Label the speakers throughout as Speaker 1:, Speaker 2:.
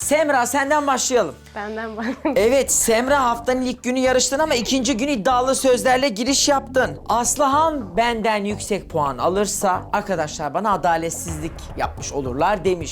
Speaker 1: Semra senden başlayalım.
Speaker 2: Benden bak.
Speaker 1: Evet Semra haftanın ilk günü yarıştın ama ikinci gün iddialı sözlerle giriş yaptın. Aslıhan benden yüksek puan alırsa arkadaşlar bana adaletsizlik yapmış olurlar demiş.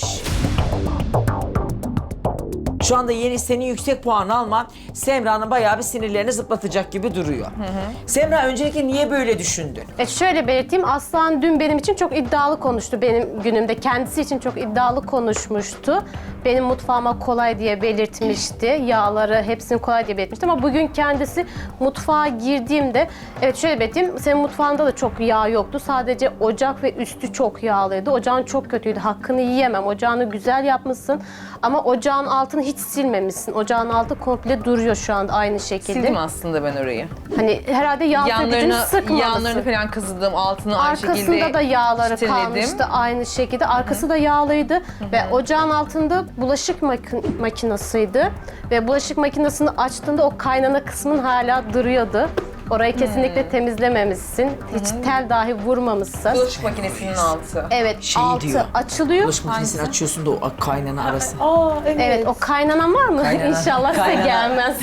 Speaker 1: Şu anda yeni senin yüksek puan alman Semra'nın bayağı bir sinirlerini zıplatacak gibi duruyor. Semra öncelikle niye böyle düşündün?
Speaker 2: Şöyle belirteyim, Aslan dün benim için çok iddialı konuştu benim günümde. Kendisi için çok iddialı konuşmuştu. Benim mutfağıma kolay diye belirtmişti. Yağları hepsini kolay diye belirtmişti ama bugün kendisi mutfağa girdiğimde, evet şöyle belirteyim, senin mutfağında da çok yağ yoktu. Sadece ocak ve üstü çok yağlıydı. Ocağın çok kötüydü. Hakkını yiyemem. Ocağını güzel yapmışsın ama ocağın altını hiç silmemişsin. Ocağın altı komple duruyor şu anda aynı şekilde.
Speaker 3: Sildim aslında ben orayı.
Speaker 2: Hani herhalde yağ sökücünü sıkmamışsın.
Speaker 3: Yanlarını falan kazıdım, altını aynı şekilde
Speaker 2: Arkasında da yağları
Speaker 3: çiteledim.
Speaker 2: kalmıştı aynı şekilde. Arkası da yağlıydı ve ocağın altında bulaşık makinasıydı. Ve bulaşık makinesini açtığında o kaynana kısmın hala duruyordu. Orayı kesinlikle temizlememişsin. Hiç tel dahi vurmamışsın.
Speaker 3: Bulaşık makinesinin altı.
Speaker 2: Evet,
Speaker 1: Şey
Speaker 2: altı
Speaker 1: diyor.
Speaker 2: açılıyor.
Speaker 1: Bulaşık makinesini açıyorsun da o kaynana arası.
Speaker 2: Evet, o kaynanan var mı?
Speaker 1: Kaynanan.
Speaker 2: İnşallah size
Speaker 1: Kaynanan.
Speaker 2: gelmez.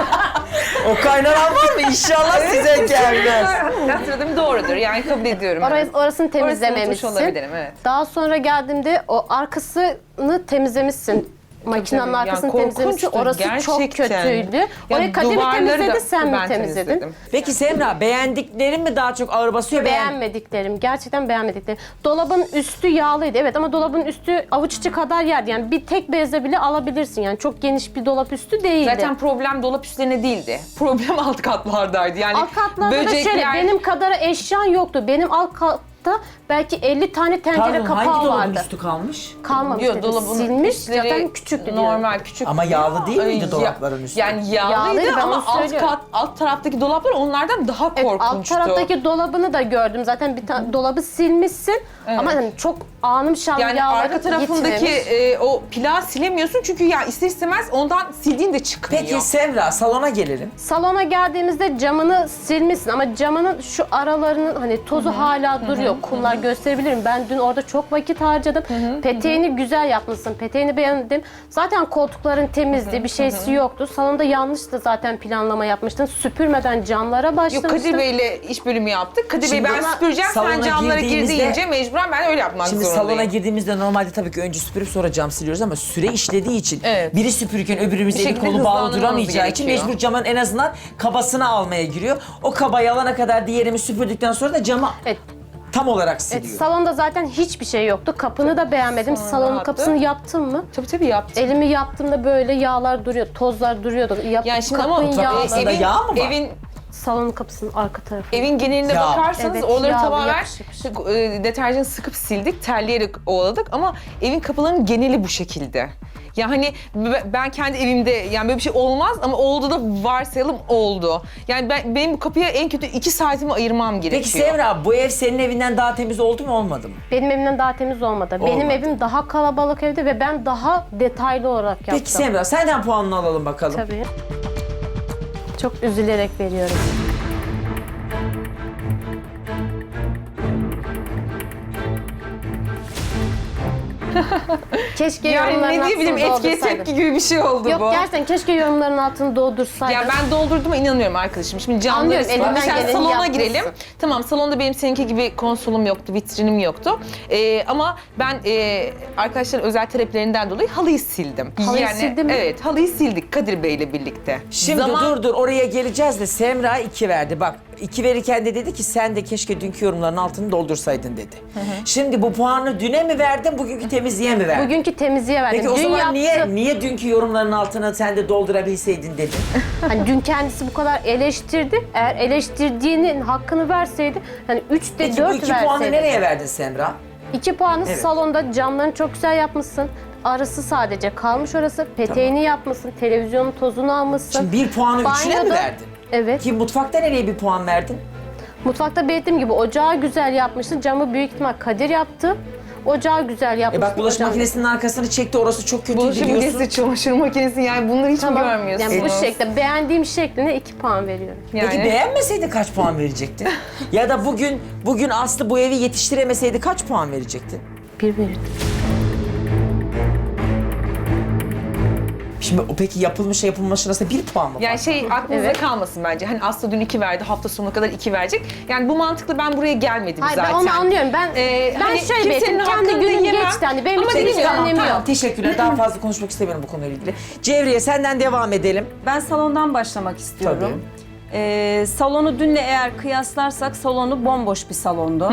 Speaker 1: O kaynanan var mı? İnşallah size gelmez.
Speaker 3: Hatırladım, doğrudur. Yani kabul ediyorum.
Speaker 2: Orasını
Speaker 3: Orasını
Speaker 2: temizlememişsin.
Speaker 3: unutmuş olabilirim, evet.
Speaker 2: Daha sonra geldiğimde o arkasını temizlemişsin. Makinenin
Speaker 3: tabii.
Speaker 2: arkasını
Speaker 3: Yani
Speaker 2: temizlemişsin.
Speaker 3: korkunçtu,
Speaker 2: Orası çok
Speaker 3: gerçekten.
Speaker 2: kötüydü.
Speaker 3: Ya
Speaker 2: Orayı Kadir mi
Speaker 3: duvarları da
Speaker 2: temizledi, sen mi
Speaker 3: ben
Speaker 2: temizledin?
Speaker 3: temizledim.
Speaker 1: Peki Semra beğendiklerin mi daha çok ağır basıyor?
Speaker 2: Beğenmediklerim, gerçekten beğenmediklerim. Dolabın üstü yağlıydı, evet, ama dolabın üstü avuç içi kadar yerdi. Yani bir tek bezle bile alabilirsin. Yani çok geniş bir dolap üstü değildi.
Speaker 3: Zaten problem dolap üstlerine değildi. Problem alt katlardaydı. Yani
Speaker 2: alt katlarda da şöyle, benim kadar eşyan yoktu. Benim alt katta belki 50 tane tencere
Speaker 1: Pardon hangi
Speaker 2: kapağı
Speaker 1: dolabın
Speaker 2: vardı.
Speaker 1: üstü kalmış?
Speaker 2: Kalmamış
Speaker 3: Yok,
Speaker 2: dedim.
Speaker 3: dolabın
Speaker 2: Silmiş,
Speaker 3: üstleri
Speaker 2: zaten küçüktü diyorum.
Speaker 3: normal küçük.
Speaker 1: Ama yağlı değil miydi
Speaker 3: Ya-
Speaker 1: dolapların üstü?
Speaker 3: Yani yağlıydı,
Speaker 2: Yağlıydı, ben
Speaker 3: ama
Speaker 2: onu söylüyorum.
Speaker 3: alt taraftaki dolaplar onlardan daha
Speaker 2: Evet, alt
Speaker 3: korkunçtu.
Speaker 2: taraftaki dolabını da gördüm. Zaten bir tane dolabı silmişsin. Ama hani çok anım şanlı
Speaker 3: Yani
Speaker 2: yağları
Speaker 3: arka tarafındaki
Speaker 2: gitmemiş.
Speaker 3: o plağı silemiyorsun çünkü ya ister istemez ondan sildiğin de çıkmıyor.
Speaker 1: Peki Semra salona gelelim.
Speaker 2: Salona geldiğimizde camını silmişsin ama camının şu aralarının hani tozu hala duruyor. Kumlar gösterebilirim. Ben dün orada çok vakit harcadım. Peteğini güzel yapmışsın. Peteğini beğendim. Zaten koltukların temizdi. Bir şeysi yoktu. Salonda yanlış da zaten planlama yapmıştın. Süpürmeden camlara
Speaker 3: Yok,
Speaker 2: başlamıştın.
Speaker 3: Kadir Bey'le iş bölümü yaptık. Kadir Bey
Speaker 1: Şimdi
Speaker 3: ben süpüreceğim, sen
Speaker 1: salona
Speaker 3: camlara gir
Speaker 1: girdiğimizde-
Speaker 3: deyince mecburen ben öyle yapmak
Speaker 1: Şimdi
Speaker 3: zorundayım.
Speaker 1: salona girdiğimizde normalde tabii ki önce süpürüp sonra cam siliyoruz ama süre işlediği için
Speaker 3: Evet.
Speaker 1: biri süpürürken öbürümüz
Speaker 3: Bir
Speaker 1: eli
Speaker 3: şekilde
Speaker 1: kolu bağlı
Speaker 3: hızlandırmamız
Speaker 1: duramayacağı için
Speaker 3: gerekiyor.
Speaker 1: mecbur camın en azından kabasını almaya giriyor. O kabayı alana kadar diğerimiz süpürdükten sonra da camı
Speaker 2: Evet.
Speaker 1: tam olarak
Speaker 2: Evet,
Speaker 1: siliyor.
Speaker 2: salonda zaten hiçbir şey yoktu. Kapını da beğenmedim. Salonun
Speaker 3: rahattı.
Speaker 2: kapısını yaptın mı?
Speaker 3: Tabii yaptım.
Speaker 2: Elimi yaptığımda böyle yağlar duruyor, tozlar duruyordu.
Speaker 3: Yani şimdi ama
Speaker 2: Kapının yağları.
Speaker 1: Aslında yağ mı var?
Speaker 2: Salonun kapısının arka tarafı.
Speaker 3: Evin genelinde
Speaker 1: Ya.
Speaker 3: bakarsanız
Speaker 2: Evet,
Speaker 3: oraları
Speaker 2: yağlı,
Speaker 3: tamamen
Speaker 2: yapışık.
Speaker 3: deterjan sıkıp sildik, terleyerek ovaladık ama evin kapılarının geneli bu şekilde. Ya hani ben kendi evimde yani böyle bir şey olmaz ama oldu da varsayalım oldu. Yani benim bu kapıya en kötü 2 saatimi ayırmam gerekiyor.
Speaker 1: Peki Semra bu ev senin evinden daha temiz oldu mu olmadı mı?
Speaker 2: Benim evimden daha temiz olmadı. Benim
Speaker 1: Olmadı.
Speaker 2: evim daha kalabalık evde ve ben daha detaylı olarak yaptım.
Speaker 1: Peki Semra senden puanını alalım bakalım.
Speaker 2: Tabii. Çok üzülerek veriyorum. Keşke
Speaker 3: yani
Speaker 2: yorumların
Speaker 3: ne diyebilirim,
Speaker 2: altını
Speaker 3: etkiye
Speaker 2: doldursaydın.
Speaker 3: tepki gibi bir şey oldu
Speaker 2: Yok,
Speaker 3: bu.
Speaker 2: gerçekten keşke yorumların altını doldursaydın.
Speaker 3: Ya ben doldurduğuma inanıyorum arkadaşım. Şimdi camları
Speaker 2: Anlıyorum,
Speaker 3: ıslat.
Speaker 2: elinden
Speaker 3: Mesela
Speaker 2: geleni
Speaker 3: salona
Speaker 2: yapmışsın.
Speaker 3: girelim. Tamam, salonda benim seninki gibi konsolum yoktu, vitrinim yoktu. Ama ben arkadaşların özel taleplerinden dolayı halıyı sildim.
Speaker 2: Halıyı sildin mi?
Speaker 3: Evet, halıyı sildik Kadir Bey'le birlikte.
Speaker 1: Şimdi dur oraya geleceğiz de Semra 2 verdi. Bak 2 verirken de dedi ki sen de keşke dünkü yorumların altını doldursaydın dedi. Şimdi bu puanı düne mi verdin, bugünkü temizliğe mi verdin?
Speaker 2: Bugünkü temizliğe verdim.
Speaker 1: Peki o
Speaker 2: Dün
Speaker 1: zaman
Speaker 2: yaptım.
Speaker 1: niye dünkü yorumların altını sen de doldurabilseydin dedin?
Speaker 2: Hani dün kendisi bu kadar eleştirdi. Eğer eleştirdiğinin hakkını verseydi, hani 3'te
Speaker 1: Peki
Speaker 2: 4
Speaker 1: bu 2 puanı
Speaker 2: verseydi.
Speaker 1: nereye verdin Semra?
Speaker 2: 2 puanı
Speaker 1: Evet.
Speaker 2: salonda, camlarını çok güzel yapmışsın. Arası sadece kalmış orası. Peteğini yapmışsın. Televizyonun tozunu almışsın.
Speaker 1: Şimdi 1 puanı 3'üne mi
Speaker 2: Banyoda-
Speaker 1: verdin?
Speaker 2: Evet.
Speaker 1: Ki mutfakta nereye 1 puan verdin?
Speaker 2: Mutfakta belirttiğim gibi ocağı güzel yapmışsın. Camı büyük ihtimal Kadir yaptı. Ocağı güzel yapmışsın.
Speaker 1: Bak bulaşık
Speaker 2: Ocağın-
Speaker 1: makinesinin arkasını çekti, orası çok kötü
Speaker 3: Bulaşık
Speaker 1: diyorsun.
Speaker 3: makinesi, çamaşır makinesi, yani bunları hiç mi
Speaker 2: Tamam.
Speaker 3: görmüyorsunuz?
Speaker 2: Yani bu şekilde beğendiğim şekline 2 puan veriyorum.
Speaker 1: Peki beğenmeseydin kaç puan verecektin? Ya da bugün Aslı bu evi yetiştiremeseydi kaç puan verecektin?
Speaker 2: 1 verirdim.
Speaker 1: Şimdi o peki yapılmış arasında 1 puan mı var?
Speaker 3: Yani aklınızda
Speaker 2: Evet.
Speaker 3: kalmasın bence. Hani Aslı dün 2 verdi, hafta sonuna kadar 2 verecek. Yani bu mantıkla ben buraya gelmedim
Speaker 2: Hayır,
Speaker 3: zaten.
Speaker 2: ben onu anlıyorum. Ben
Speaker 3: hani
Speaker 2: şöyle
Speaker 3: kimsenin
Speaker 2: belirttim. Kendi
Speaker 3: hakkını
Speaker 2: günüm
Speaker 3: yemem.
Speaker 2: geçti. Hani benim
Speaker 3: Ama
Speaker 2: için
Speaker 3: dediğim
Speaker 2: hiç
Speaker 3: gibi,
Speaker 2: önemi yok.
Speaker 1: Teşekkürler. Daha fazla konuşmak istemiyorum bu konuyla ilgili. Cevriye senden devam edelim.
Speaker 4: Ben salondan başlamak istiyorum. Salonu dünle eğer kıyaslarsak salonu bomboş bir salondu.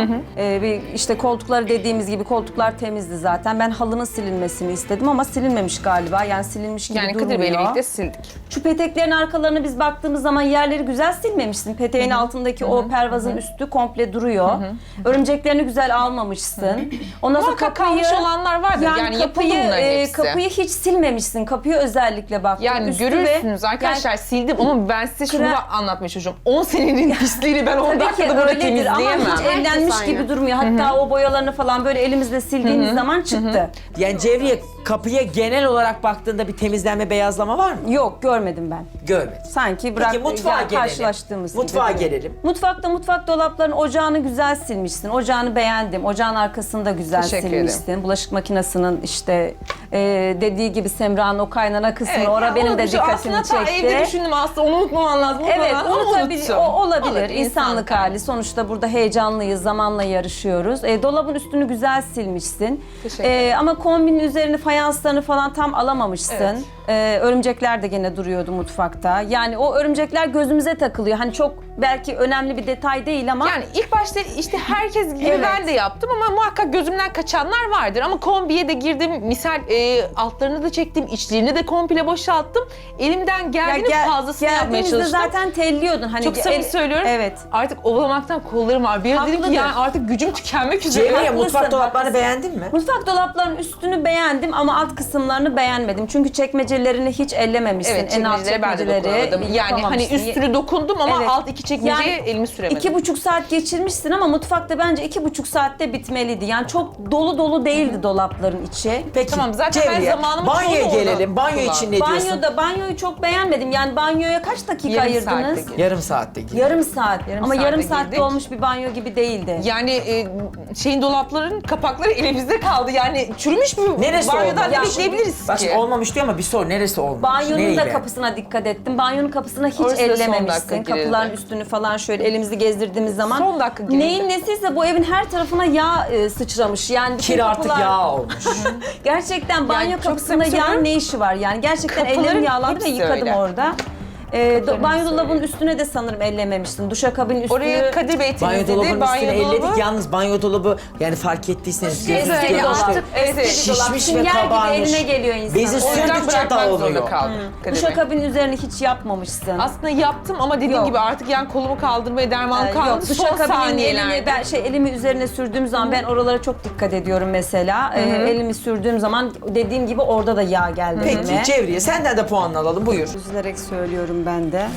Speaker 4: İşte koltukları dediğimiz gibi koltuklar temizdi zaten. Ben halının silinmesini istedim ama silinmemiş galiba. Yani silinmiş gibi
Speaker 3: Yani
Speaker 4: durmuyor.
Speaker 3: Kadir Bey'le birlikte sildik.
Speaker 4: Şu peteklerin arkalarını biz baktığımız zaman yerleri güzel silmemişsin. Peteğin altındaki o pervazın üstü komple duruyor. Örümceklerini güzel almamışsın. Ondan sonra
Speaker 3: Muhakkak kalmış olanlar vardır. Yani yapıldı bunların hepsi.
Speaker 4: kapıyı hiç silmemişsin. Kapıyı özellikle baktım.
Speaker 3: Yani
Speaker 4: Üstü
Speaker 3: görürsünüz
Speaker 4: ve-
Speaker 3: arkadaşlar sildim ama ben size şunu
Speaker 4: Kre-
Speaker 3: da anlatmaya çalışıyorum. 10 senenin pisliğini ben 10
Speaker 4: Tabii ki
Speaker 3: dakikada burada
Speaker 4: öyledir ama
Speaker 3: temizleyemem.
Speaker 4: hiç ellenmiş
Speaker 2: Herkes
Speaker 4: gibi
Speaker 2: aynı.
Speaker 4: durmuyor. Hatta o boyalarını falan böyle elimizle sildiğimiz zaman çıktı.
Speaker 1: Yani Cevriye kapıya genel olarak baktığında bir temizlenme, beyazlama var mı?
Speaker 4: Yok görmedim ben.
Speaker 1: Görmedim.
Speaker 4: Sanki bırak
Speaker 1: Peki mutfağa gelelim.
Speaker 4: karşılaştığımız
Speaker 1: Mutfağa
Speaker 4: gibi.
Speaker 1: gelelim.
Speaker 4: Mutfak dolaplarının ocağını güzel silmişsin. Ocağını beğendim. Ocağın arkasını da güzel
Speaker 3: Teşekkür
Speaker 4: silmişsin. Bulaşık makinesinin işte dediği gibi Semra'nın o kaynana kısmı
Speaker 3: Evet,
Speaker 4: orada
Speaker 3: yani
Speaker 4: benim
Speaker 3: onu
Speaker 4: de
Speaker 3: bir şey-
Speaker 4: dikkatimi
Speaker 3: aslında
Speaker 4: çekti.
Speaker 3: evde düşündüm aslında onu unutmaman lazım.
Speaker 4: Evet,
Speaker 3: Ama
Speaker 4: unutabilir,
Speaker 3: unuttum.
Speaker 4: o olabilir.
Speaker 3: Olur,
Speaker 4: İnsanlık hali. Sonuçta burada heyecanlıyız, zamanla yarışıyoruz. Dolabın üstünü güzel silmişsin.
Speaker 3: Teşekkür ederim.
Speaker 4: Ama kombinin üzerini, fayanslarını falan tam alamamışsın.
Speaker 3: Evet.
Speaker 4: Örümcekler de gene duruyordu mutfakta. Yani o örümcekler gözümüze takılıyor. Hani çok belki önemli bir detay değil ama
Speaker 3: Yani ilk başta işte herkes gibi
Speaker 4: Evet.
Speaker 3: ben de yaptım ama muhakkak gözümden kaçanlar vardır. Ama kombiye de girdim, misal altlarını da çektim, içlerini de komple boşalttım. Elimden geldiğinin fazlasını yapmaya
Speaker 4: geldiğimizde
Speaker 3: çalıştım.
Speaker 4: zaten telliyordun. Hani
Speaker 3: Çok samimi söylüyorum.
Speaker 4: Evet.
Speaker 3: Artık ovalamaktan kollarım var. Bir ara dedim ki
Speaker 4: Haklıdır.
Speaker 3: yani artık gücüm tükenmek üzere.
Speaker 1: Cevriye
Speaker 4: haklısın,
Speaker 1: mutfak dolaplarını
Speaker 4: haklısın.
Speaker 1: beğendin mi?
Speaker 4: Mutfak dolaplarının üstünü beğendim ama alt kısımlarını beğenmedim. Çünkü çekmecelerini hiç ellememişsin.
Speaker 3: Evet,
Speaker 4: en alt
Speaker 3: çekmeceleri ben de
Speaker 4: çekmeceleri
Speaker 3: dokunamadım. Yani hani
Speaker 4: yapamamışsın.
Speaker 3: üstünü dokundum ama
Speaker 4: Evet.
Speaker 3: alt iki çekmeceye
Speaker 4: Yani
Speaker 3: elimi süremedim.
Speaker 4: 2,5 saat geçirmişsin ama mutfakta bence 2,5 saatte bitmeliydi. Yani çok dolu değildi dolapların içi.
Speaker 1: Peki
Speaker 3: Tamam, zaten ben
Speaker 1: Cevriye,
Speaker 3: zamanımı
Speaker 1: banyoya
Speaker 3: çoğunu
Speaker 1: gelelim.
Speaker 3: ona
Speaker 1: Banyo için ne diyorsun?
Speaker 4: Banyoyu çok beğenmedim. Yani banyoya kaç dakika
Speaker 3: Yarım saatte
Speaker 4: ayırdınız?
Speaker 3: girdim.
Speaker 1: Yarım saatte girdim.
Speaker 4: Yarım saat. Ama
Speaker 3: saatte
Speaker 4: yarım saatte
Speaker 3: girdik.
Speaker 4: olmuş bir banyo gibi değildi.
Speaker 3: Yani dolapların kapakları elimizde kaldı. Yani çürümüş mü?
Speaker 1: Neresi
Speaker 3: Banyodan
Speaker 1: olmamış?
Speaker 3: ne bekleyebiliriz
Speaker 1: Bak
Speaker 3: ki?
Speaker 1: şimdi olmamış diyor ama bir sor neresi olmamış?
Speaker 4: Banyonun
Speaker 1: Nereyi
Speaker 4: da
Speaker 1: beğendin?
Speaker 4: kapısına dikkat ettim. Banyonun kapısına hiç
Speaker 3: Orası da son dakika
Speaker 4: ellememişsin.
Speaker 3: girildi.
Speaker 4: Kapıların üstünü falan şöyle elimizi gezdirdiğimiz zaman.
Speaker 3: Son dakika girildi.
Speaker 4: Neyin nesiyse bu evin her tarafına yağ sıçramış. Yani bütün
Speaker 1: Kir artık
Speaker 4: kapılar-
Speaker 1: yağ olmuş.
Speaker 4: Gerçekten banyo
Speaker 3: çok
Speaker 4: kapısında
Speaker 3: samimi
Speaker 4: yağ
Speaker 3: söylüyorum.
Speaker 4: ne işi var? Yani gerçekten
Speaker 3: Kapıların
Speaker 4: ellerim yağlandı ve
Speaker 3: hepsi
Speaker 4: yıkadım
Speaker 3: öyle.
Speaker 4: orada. Banyo
Speaker 3: hepsi
Speaker 4: dolabının
Speaker 3: öyle.
Speaker 4: üstüne de sanırım ellememişsin. Duşakabinin üstünü...
Speaker 3: Orayı Kadir Bey
Speaker 1: Banyo
Speaker 3: temizledi.
Speaker 1: dolabının üstüne elledik.
Speaker 3: dolabı-
Speaker 1: Yalnız banyo dolabı yani fark ettiyseniz gözünüz
Speaker 4: Eski
Speaker 1: gelmiştir.
Speaker 4: dolap.
Speaker 3: Evet, evet.
Speaker 4: Eski dolap.
Speaker 1: Şişmiş ve
Speaker 4: Sünger gibi
Speaker 1: kabarmış.
Speaker 4: eline geliyor insan.
Speaker 1: Bezi
Speaker 4: O
Speaker 3: O yüzden
Speaker 1: sürdükçe
Speaker 3: bırakmak zorunda
Speaker 1: dağılıyor.
Speaker 3: kaldım. Kadir Bey.
Speaker 4: Duşakabinin üzerine hiç yapmamışsın.
Speaker 3: Aslında yaptım ama dediğim
Speaker 4: Yok.
Speaker 3: gibi artık yani kolumu kaldırmaya dermanım
Speaker 4: Yok,
Speaker 3: kalmadı. Son
Speaker 4: duşakabinin
Speaker 3: saniyelerde.
Speaker 4: elimi üzerine sürdüğüm zaman ben oralara çok dikkat ediyorum mesela. Elimi sürdüğüm zaman dediğim gibi orada da yağ geldi
Speaker 1: Peki
Speaker 4: elime.
Speaker 1: Cevriye senden de puanını alalım buyur.
Speaker 4: Üzülerek söylüyorum ben de.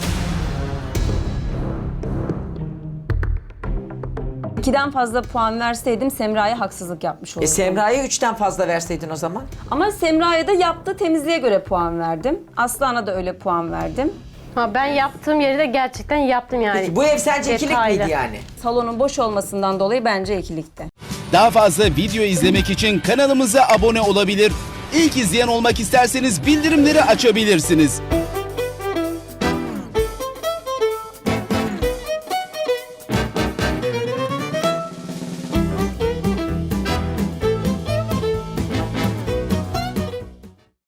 Speaker 4: 2'den fazla puan verseydim Semra'ya haksızlık yapmış olurdum.
Speaker 1: Semra'ya 3'ten fazla verseydin o zaman.
Speaker 4: Ama Semra'ya da yaptığı temizliğe göre puan verdim. Aslan'a da öyle puan verdim.
Speaker 2: Ben yaptığım yeri de gerçekten yaptım yani.
Speaker 1: Peki bu ev sence ikilik
Speaker 2: Detaylı.
Speaker 1: miydi yani?
Speaker 4: Salonun boş olmasından dolayı bence ikilikti.
Speaker 5: Daha fazla video izlemek için kanalımıza abone olabilir. İlk izleyen olmak isterseniz bildirimleri açabilirsiniz.